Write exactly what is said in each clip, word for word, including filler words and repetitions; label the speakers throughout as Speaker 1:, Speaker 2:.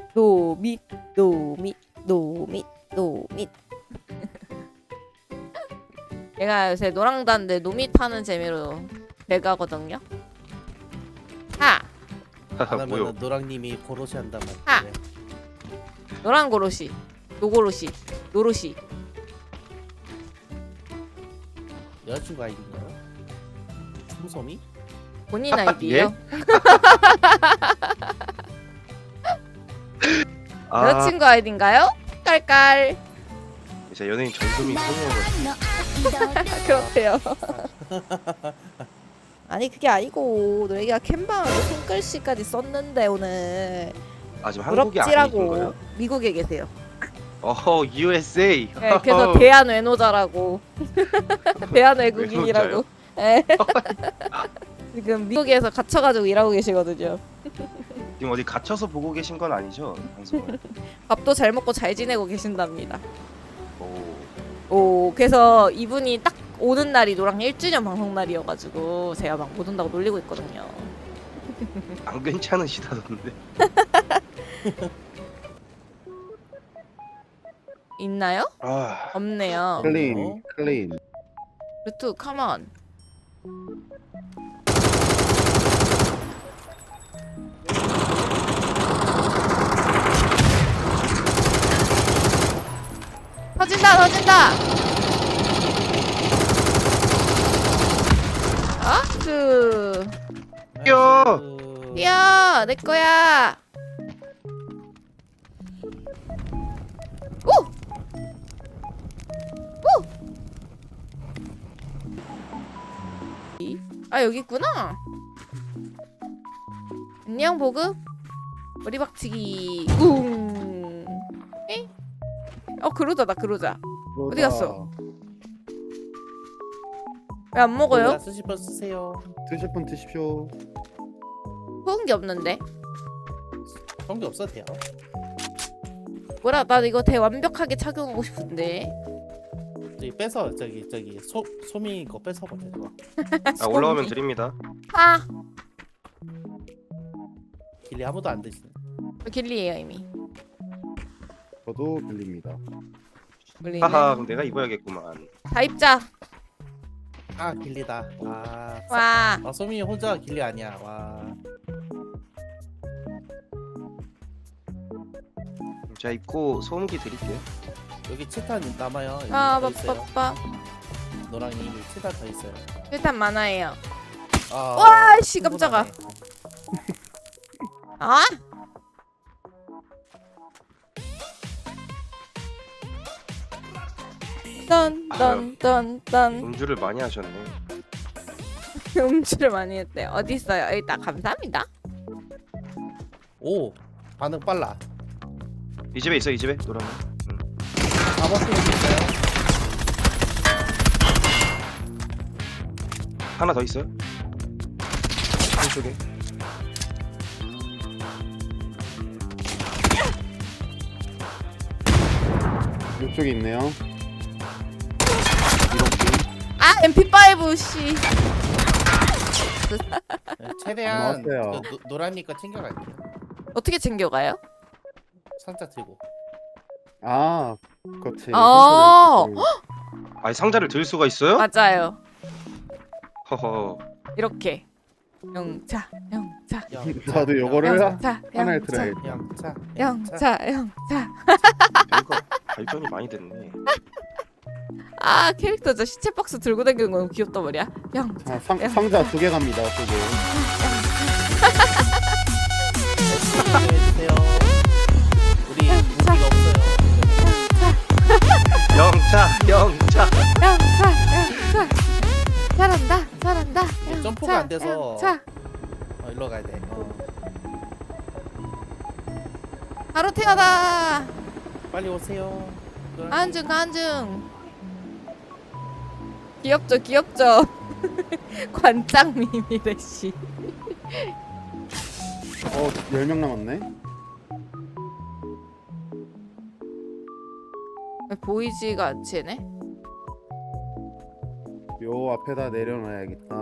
Speaker 1: 노밋 노밋 노밋 노밋. 얘가 요새 노랑단데 노밋 하는 재미로 배가거든요. 하!
Speaker 2: 안
Speaker 3: 뭐요?
Speaker 2: 하면 노랑님이 고로시 한단
Speaker 1: 아.
Speaker 2: 말이에요.
Speaker 1: 노랑 고로시 노고로시 노로시.
Speaker 2: 여자친구 아이디인가요? 춤소미?
Speaker 1: 본인 아이디예요?
Speaker 3: 아,
Speaker 1: 여자친구 아이디인가요? 깔깔.
Speaker 3: 이제 연예인 전소미 소녀가
Speaker 1: 그렇대요. 아니 그게 아니고 너희가 캠방으로 손글씨까지 썼는데 오늘
Speaker 3: 아 지금 한국이 아니신
Speaker 1: 부럽지라고.
Speaker 3: 거예요?
Speaker 1: 미국에 계세요.
Speaker 3: 어허 유에스에이.
Speaker 1: 네, 그래서 대한 외노자라고. 대한 외국인이라고. 네. 지금 미국에서 갇혀가지고 일하고 계시거든요.
Speaker 3: 지금 어디 갇혀서 보고 계신 건 아니죠? 방송을.
Speaker 1: 밥도 잘 먹고 잘 지내고 계신답니다.
Speaker 3: 오.
Speaker 1: 오, 그래서 이분이 딱 오는 날이 노랑 일 주년 방송 날이어가지고 제가 막 못 온다고 놀리고 있거든요.
Speaker 3: 안 괜찮으시다던데.
Speaker 1: 있나요?
Speaker 3: 아,
Speaker 1: 없네요.
Speaker 2: 클린,
Speaker 4: 클린.
Speaker 1: 루트 컴온. 터진다 터진다. 아? 그
Speaker 3: 뛰어!
Speaker 1: 뛰어 내 거야. 오! 오! 아 여기 있구나. 안녕 보급. 머리 박치기. 웅. 에? 어 그러자다 그러자. 어디 갔어? 왜 안 먹어요?
Speaker 2: 쓰실 분 쓰세요.
Speaker 4: 드실 분 드십시오.
Speaker 1: 먹은 게 없는데.
Speaker 2: 성기 없어도 돼요.
Speaker 1: 뭐라 나 이거 대 완벽하게 착용하고 싶은데.
Speaker 2: 저기 빼서 저기 저기 소 소미 거 뺏어 버려.
Speaker 3: 아 올라오면 드립니다.
Speaker 1: 아
Speaker 2: 길리 아무도 안 드시네.
Speaker 1: 길리에요 이미.
Speaker 4: 저도 들립니다.
Speaker 1: 물리네.
Speaker 3: 하하 그럼 내가 입어야겠구만.
Speaker 1: 다 입자.
Speaker 2: 아 길리다. 와.
Speaker 1: 와.
Speaker 2: 아 소미 혼자 길리 아니야. 와.
Speaker 3: 제가 입고 소음기 드릴게요.
Speaker 2: 여기 치탄 남아요. 여기
Speaker 1: 아
Speaker 2: 더 있어요.
Speaker 1: 빠빠빠.
Speaker 2: 노랑이 치탄 더 있어요.
Speaker 1: 일단 많아요.
Speaker 2: 아,
Speaker 1: 와, 씨, 깜짝아.
Speaker 2: 충분하네.
Speaker 1: 아? 딴딴딴딴.
Speaker 3: 음주를 많이 하셨네.
Speaker 1: 음주를 많이 했대. 어디 있어요? 일단 감사합니다.
Speaker 2: 오 반응 빨라.
Speaker 3: 이 집에 있어 이 집에 노랑.
Speaker 2: 사 번 팀 있어요.
Speaker 3: 하나 더 있어요. 왼쪽에.
Speaker 4: 이쪽에 있네요.
Speaker 1: 아 엠피파이브 씨.
Speaker 2: 네, 최대한
Speaker 4: 나왔어요.
Speaker 2: 그, 노, 노란니 거 챙겨갈게요.
Speaker 1: 어떻게 챙겨가요?
Speaker 2: 상자 들고.
Speaker 4: 아, 그렇지.
Speaker 1: 어.
Speaker 3: 아니 상자를 들 수가 있어요?
Speaker 1: 맞아요.
Speaker 3: 허허.
Speaker 1: 이렇게. 영차 영차
Speaker 4: 저도 요거를
Speaker 1: 영차
Speaker 4: 하나에
Speaker 1: 영차
Speaker 4: 들어야지.
Speaker 2: 영차.
Speaker 1: 영차 영차.
Speaker 3: 뭔가 발전이 많이 됐네.
Speaker 1: 아 캐릭터 저 시체 박스 들고 다니는 거 너무 귀엽단 말이야. 영차
Speaker 4: 자, 상, 상자 두 개 갑니다. 저도.
Speaker 2: 해주세요. 우리 무기가 없어요.
Speaker 3: 영차 영차.
Speaker 1: 영차 영차. 잘한다 잘한다. 영차,
Speaker 2: 점프가 안 돼서.
Speaker 1: 영차.
Speaker 2: 어, 일로 가야 돼. 어.
Speaker 1: 바로 태어나.
Speaker 2: 빨리 오세요.
Speaker 1: 안중 안중. 귀엽죠 귀엽죠. 관장 미미래 씨.
Speaker 4: 어, 열 명 남았네.
Speaker 1: 왜 보이지가 않지 얘네?
Speaker 4: 요 앞에다 내려놔야겠다.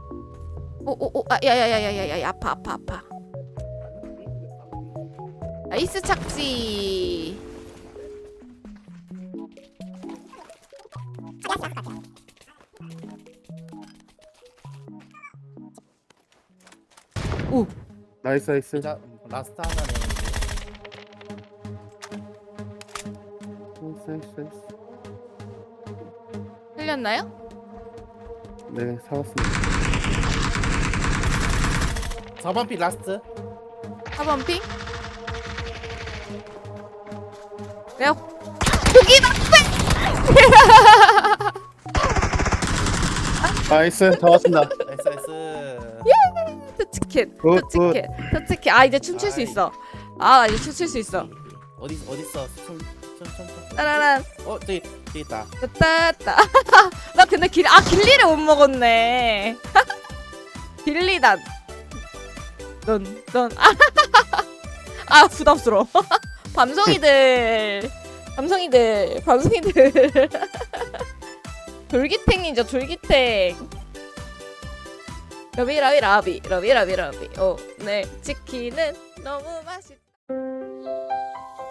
Speaker 1: 오오오 아 야야야야야야 아파 아파 아파. 나이스 착지. 오,
Speaker 4: 나이스 나이스.
Speaker 2: 자 라스트 하나네.
Speaker 4: 나이스 나이스 나이스.
Speaker 1: 흘렸나요?
Speaker 4: 네 살았습니다.
Speaker 2: 사 번 피 라스트.
Speaker 1: 사 번 핑? 내가 여기
Speaker 4: 나이스 잡았습니다.
Speaker 2: 나이스 나이스.
Speaker 1: 터치켓,
Speaker 4: 굿,
Speaker 1: 터치켓, 터치켓. 아 이제 춤출 수
Speaker 2: 아이.
Speaker 1: 있어. 아 이제 춤출 수 있어.
Speaker 2: 어디 어디 있어? 춤춤춤.
Speaker 1: 따라란.
Speaker 2: 어 저기 저기 있다.
Speaker 1: 됐다, 됐다. 나 근데 길, 아 길리를 못 먹었네. 길리단. 넌, 넌. 아 부담스러워. 밤송이들, 밤송이들, 밤송이들. 돌기탱이죠, 돌기탱. 러비 러비 러비 러비 러비 러비. 오, 네 치킨은 너무 맛있다.